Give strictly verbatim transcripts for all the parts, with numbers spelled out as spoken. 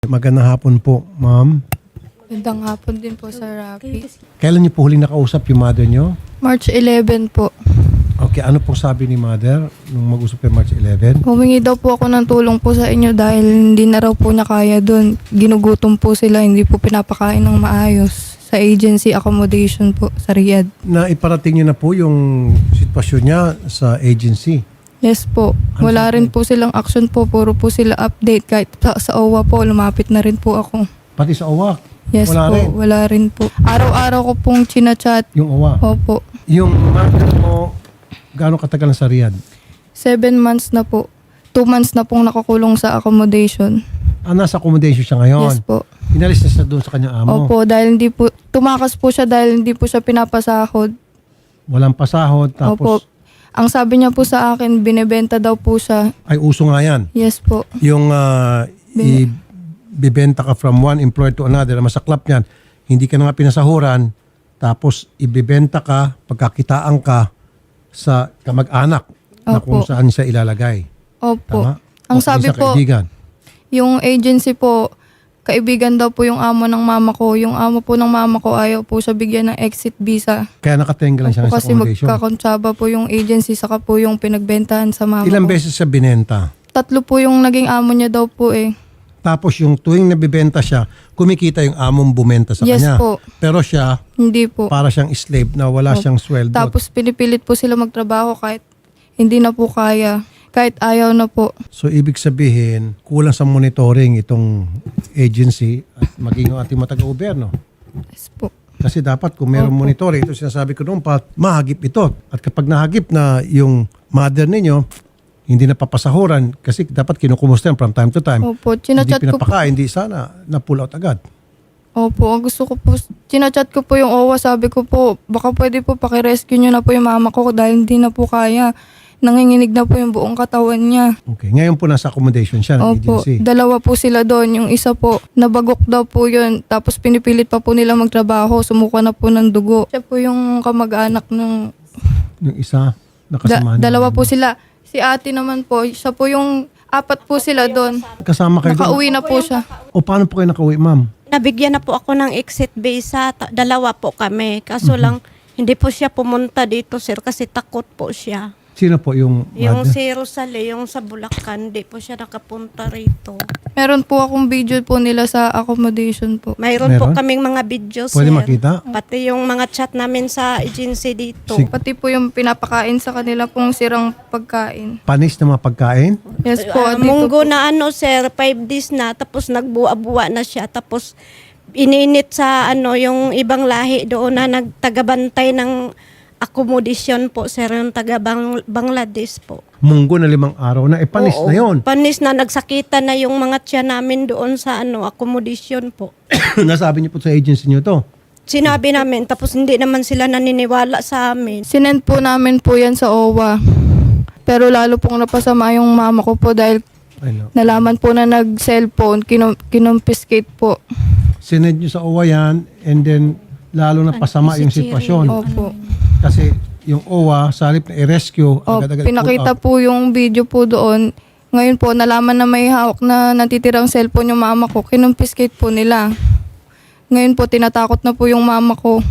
Magandang hapon po, ma'am. Magandang hapon din po sa Rapi. Kailan niyo po huling nakausap yung mother niyo? March eleven po. Okay, ano pong sabi ni mother nung mag-usap kayo March eleven? Humingi daw po ako ng tulong po sa inyo dahil hindi na raw po niya kaya doon. Ginugutom po sila, hindi po pinapakain ng maayos sa agency accommodation po sa Riyadh. Na iparating niyo na po yung sitwasyon niya sa agency. Yes po. Ano Wala sabi? rin po silang action po. Puro po sila update. Kahit sa, sa O W A po, lumapit na rin po ako. Pati sa O W A C, Yes wala po, rin. wala rin po. Araw-araw ko pong chinachat. Yung O W A C. Opo. Yung mother mo, gaano katagal na sa Riyadh? Seven months na po. Two months na pong nakakulong sa accommodation. Ah, nasa accommodation siya ngayon. Yes po. Inalis na siya doon sa kanyang amo. Opo, dahil hindi po, tumakas po siya dahil hindi po siya pinapasahod. Walang pasahod, Opo. tapos Ang sabi niya po sa akin, binebenta daw po siya. ay uso nga yan. Yes po. Yung uh, ibibenta ka from one employer to another, ang masaklap niyan, hindi ka na nga pinasahuran, tapos ibibenta ka, pagkakitaan ka sa kamag-anak na kung Opo. saan siya ilalagay. Opo. Tama? O Ang sabi isang po, kaibigan. yung agency po, kaibigan daw po yung amo ng mama ko. Yung amo po ng mama ko, ayaw po siya bigyan ng exit visa. Kaya nakatenga lang siya Opo, sa kasi accommodation. magkakontsaba po yung agency, saka po yung pinagbentahan sa mama Ilang ko. beses siya binenta? Tatlo po yung naging amo niya daw po eh. Tapos yung tuwing nabibenta siya, kumikita yung among bumenta sa Yes kanya. po. Pero siya, Hindi po. para siyang slave na wala Opo. siyang sweldo. Tapos pinipilit po sila magtrabaho kahit hindi na po kaya. Kahit ayaw na po. So ibig sabihin, kulang sa monitoring itong agency at maging yung ating mga taga-gobyerno. Yes po. Kasi dapat kung meron Opo. monitoring, ito sinasabi ko noon pa, mahagip ito. At kapag nahagip na yung mother ninyo, hindi na papasahuran kasi dapat kinukumusta yan from time to time. Opo, Hindi chinachat ko po. pinapakain, hindi sana na-pull out agad. Opo, ang gusto ko po, chinachat ko po yung O W A, sabi ko po, baka pwede po pakirescue nyo na po yung mama ko dahil hindi na po kaya. Nanginginig na po yung buong katawan niya. Okay. Ngayon po nasa accommodation siya ng Opo, agency. dalawa po sila doon. Yung isa po, nabagok daw po yun. Tapos pinipilit pa po nila magtrabaho. Sumuka na po ng dugo. Siya po yung kamag-anak ng... Yung isa, Da- nakasama niya. dalawa po sila. Si ate naman po, siya po yung... Apat po sila doon. Kasama kayo doon. Nakauwi na po siya. O paano po kayo nakauwi, ma'am? Nabigyan na po ako ng exit visa. Ta- Dalawa po kami. Kaso Mhm. lang, hindi po siya pumunta dito, sir, kasi takot po siya. Sino po yung Yung mother? si Rosalie, yung sa Bulacan, hindi po siya nakapunta rito. Meron po akong video po nila sa accommodation po. Mayroon po Meron? kaming mga videos, Pwede sir. makita? Pati yung mga chat namin sa agency dito. Sige. Pati po yung pinapakain sa kanila pong sirang pagkain. Panis na mga pagkain? Yes po. Ah, dito munggo po. na ano, sir, five days na, tapos nagbuwa-buwa na siya, tapos ininit sa ano yung ibang lahi doon na nagtagabantay ng accommodation po, sir, yung taga Bang- Bangladesh po. Munggo na limang araw na. Eh, panis Oo. na yon. Panis na, nagsakitan na yung mga tiyan namin doon sa ano accommodation po. Nasabi niyo po sa agency niyo to. Sinabi namin, tapos hindi naman sila naniniwala sa amin. Sinend po namin po yan sa O W A. Pero lalo pong napasama yung mama ko po dahil I know. nalaman po na nag-cellphone, kinum- kinumpiskate po. Sinend niyo sa O W A yan and then lalo na pasama yung sitwasyon. Opo. Kasi yung O W A, sa halip na i-rescue, O, agad-agad pinakita pull out. po yung video po doon. Ngayon po, nalaman na may hawak na natitirang cellphone yung mama ko. Kinumpiskate po nila. Ngayon po, tinatakot na po yung mama ko.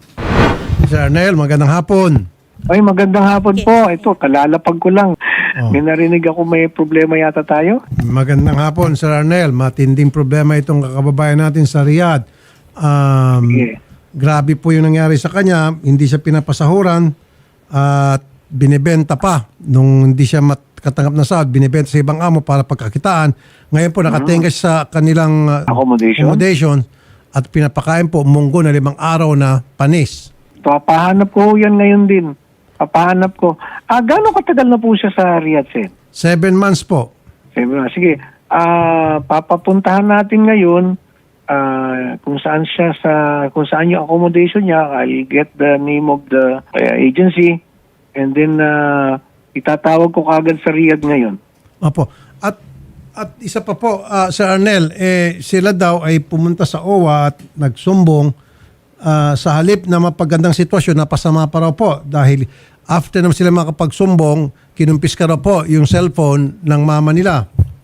Sir Arnel, magandang hapon. Ay, magandang hapon po. Ito, kalalapag ko lang. Oh. May narinig ako may problema yata tayo. Magandang hapon, Sir Arnel. Matinding problema itong kakababayan natin sa Riyadh. Um, Sige. Grabe po yung nangyari sa kanya. Hindi siya pinapasahuran at binibenta pa. Nung hindi siya makatanggap na sahod, binibenta sa ibang amo para pagkakitaan. Ngayon po, nakatenga siya sa kanilang uh, Accommodation? accommodation at pinapakain po munggo na limang araw na panis. Papahanap ko yan ngayon din. Papahanap ko. Ah, gano'ng katagal na po siya sa Riyadh, Sen? Seven months po. Sabi na, sige, ah, papapuntahan natin ngayon ah, kung saan siya sa, kung saan yung accommodation niya. I'll get the name of the ah, agency and then ah, itatawag ko kagad sa Riyadh ngayon. Opo. At at isa pa po, ah, Sir Arnel, eh, sila daw ay pumunta sa O W A at nagsumbong ah, sa halip na mapagandang sitwasyon, napasama pa raw po dahil after naman sila makapagsumbong, kinumpis ka raw po yung cellphone ng mama nila.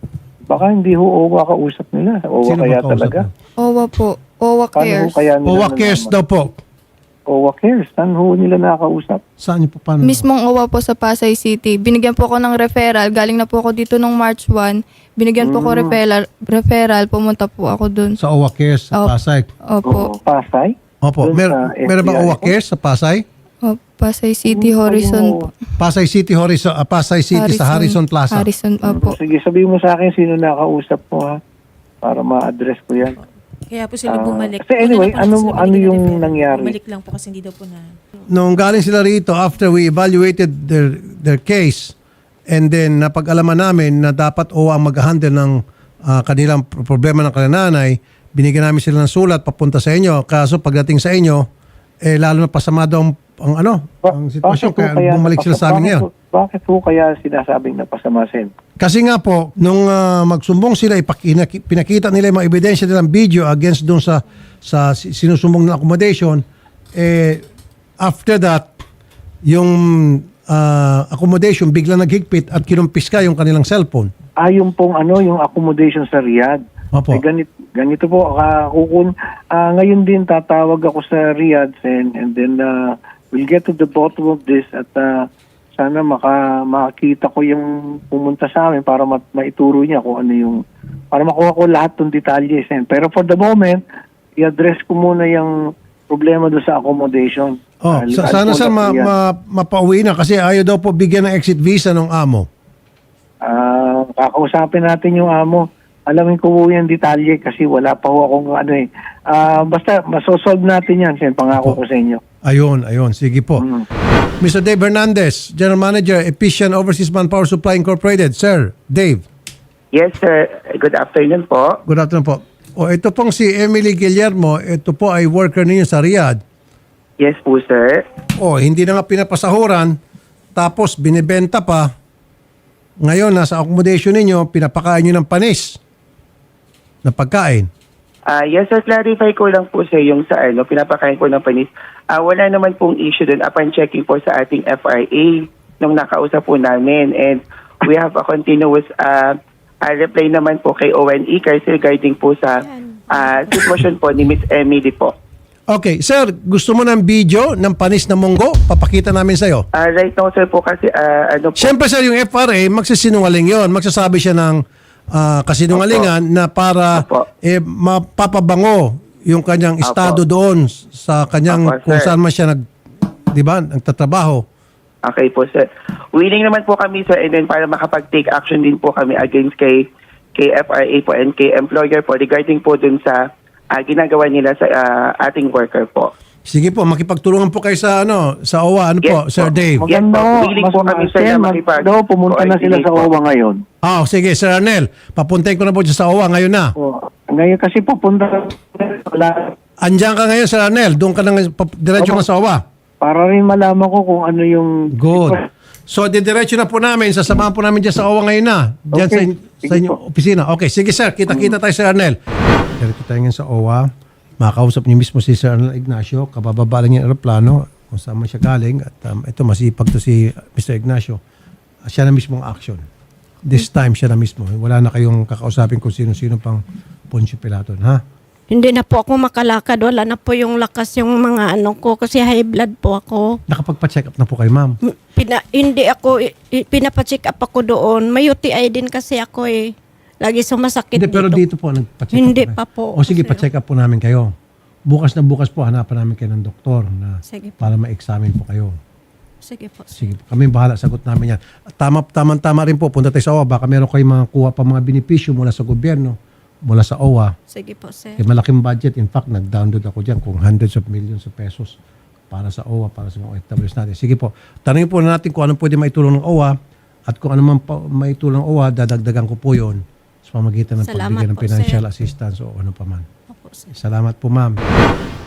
Baka hindi ho OWA kausap nila. OWA Sino ba kaya kausap talaga. mo? OWA po. OWA Paano ho Cares. kaya nila OWA Cares nalaman? daw po. OWA Cares. Saan ho nila nakakausap? Saan niyo po paano? Mismong OWA po sa Pasay City. Binigyan po ako ng referral. Galing na po ako dito nung March first. Binigyan po ako Mm. referral. Referral. Pumunta po ako dun. Sa OWA Cares sa Oh. Pasay. Opo. Oo, Pasay? Opo. Doon Mer sa meron bang F B I OWA po? Cares sa Pasay? Oh, Pasay City Horizon po. Pasay City Horizon, ah, Pasay City sa Harrison Plaza. Harrison, opo. Sige, sabihin mo sa akin sino nakausap mo ha. Para ma-address ko yan. Kaya po sila Ah, bumalik. kasi anyway, Una na po ano- sila ano binigyan ng yung referral. nangyari? Bumalik lang po kasi hindi daw po na. Nung galing sila rito, after we evaluated their their case, and then napag-alaman namin na dapat O A ang mag-handle ng ah, kanilang pro- problema ng kananay, binigyan namin sila ng sulat papunta sa inyo. Kaso pagdating sa inyo, eh lalo na pasama daw ang, ang ano, Ba- ang sitwasyon. bakit ho Kaya bumalik sila sa amin bakit ngayon. ho- Bakit po kaya sinasabing napasamasin? Kasi nga po, nung ah, magsumbong sila, ipaki- pinakita nila yung mga ebidensya nilang video against doon sa, sa si- sinusumbong ng accommodation, eh, after that, yung ah, accommodation bigla naghigpit at kinumpis ka yung kanilang cellphone. Ah, yung pong ano, yung accommodation sa Riyadh. Opo. Eh, ganito, ganito po, ah, kukun, ah, ngayon din tatawag ako sa Riyadh and, and then ah, we'll get to the bottom of this at ah, sana maka, makakita ko yung pumunta sa amin para ma- maituro niya kung ano yung, para makuha ko lahat ng detalye. Sen. Pero for the moment, i-address ko muna yung problema doon sa accommodation. Oh, Ah, sa- I'll sana call sir up ma, Riyadh. ma, mapauwi na kasi ayaw daw po bigyan ng exit visa ng amo. Ah, kakausapin natin yung amo. Alamin ko po yung detalye kasi wala pa ho akong ano eh. Ah, basta masosolve natin yan. Sen, pangako ko sa inyo. Ayun, ayun. Sige po. Mm. Mister Dave Hernandez, General Manager, Efficient Overseas Manpower Supply Incorporated. Sir, Dave. Yes, sir. Good afternoon po. Good afternoon po. O ito pong si Emily Guillermo, ito po ay worker ninyo sa Riyadh. Yes po, sir. O hindi na nga pinapasahuran, tapos binibenta pa. Ngayon, nasa accommodation ninyo, pinapakain nyo ng panis na pagkain. Ah, yes, sir. Clarify ko lang po, sir, yung sa ano, pinapakain ko ng panis. Ah, wala naman pong issue dun upon checking po sa ating F R A nung nakausap po namin. And we have a continuous uh, uh, reply naman po kay O N E kasi regarding po sa ah, sitwasyon po ni Miss Emily po. Okay, sir, gusto mo ng video ng panis na munggo? Papakita namin sa'yo. Ah, right now, sir, po kasi ah, ano po. Siyempre sir, yung F R A, magsisinungaling yon. Magsasabi siya ng ah, kasinungalingan na para Opo. eh, mapapabango yung kanyang Opo. estado doon sa kanyang Opo, kung sir. saan man siya nag, di ba, nagtatrabaho. Okay po, sir. Willing naman po kami, sir, and then para makapag-take action din po kami against kay, kay F R A po and kay employer po regarding po dun sa ah, ginagawa nila sa ah, ating worker po. Sige po, makipagtulungan po kayo sa ano, sa O A, ano Yes po, po. Sir Dave. Yes Maganda po. ho. Willing Mas po kami, sir, Sen, na mag- makipag- daw, pumunta na sila sa coordinate po. O W A ngayon. Ah, sige, Sir Arnel, papuntahin ko na po dyan sa O A ngayon na. Oh, ngayon kasi pupunta wala, Andiyan ka ngayon, Sir Arnel, doon ka na, pap- diretso Opo. ka sa O A. para rin malaman ko kung ano yung... Good. So, didiretso na po namin, sasamahan po namin dyan sa O A ngayon na. Dyan Okay. sa, in- sa Sige inyong po. opisina. Okay, sige sir, kita-kita tayo, Sir Arnel. Diretso tayo ngayon sa O A. Makausap niyo mismo si Sir Arnel Ignacio. Kabababa lang yung aeroplano kung saan man siya galing. At um, ito, masipag to si Mister Ignacio. Uh, siya na mismo ang action. This time, siya na mismo. Wala na kayong kakausapin kung sino-sino pang Poncio Pilato. Ha? Hindi na po ako makalakad. Wala na po yung lakas yung mga ano ko kasi high blood po ako. Nakapagpa-check up na po kayo, ma'am. Pina, hindi ako, i- i- pinapacheck up ako doon. May U T I din kasi ako eh. Lagi sumasakit Hindi, pero dito po, nagpa-check up Hindi na kayo. pa po. O sige, Kasi- pa-check up po namin kayo. Bukas na bukas po, hanapan namin kayo ng doktor na Sige po. para ma-examine po kayo. Sige po. Sige po, kami bahala, sagot namin yan. At Tama, tama-tama rin po, punta tayo sa O A. Baka meron kayong mga kuha pa mga benepisyo mula sa gobyerno, mula sa O A. Sige po, sir. Kaya malaking budget. In fact, nag-download ako dyan kung hundreds of millions of pesos para sa O A, para sa mga O F Ws natin. Sige po, tanongin po natin kung anong pwede maitulong ng O A at kung ano man pa maitulong ng O A, dadagdagan ko po yon sa pamagitan ng Salamat pagbigay ng po, financial sir. assistance o ano pa man. Opo, sir. Salamat po, ma'am.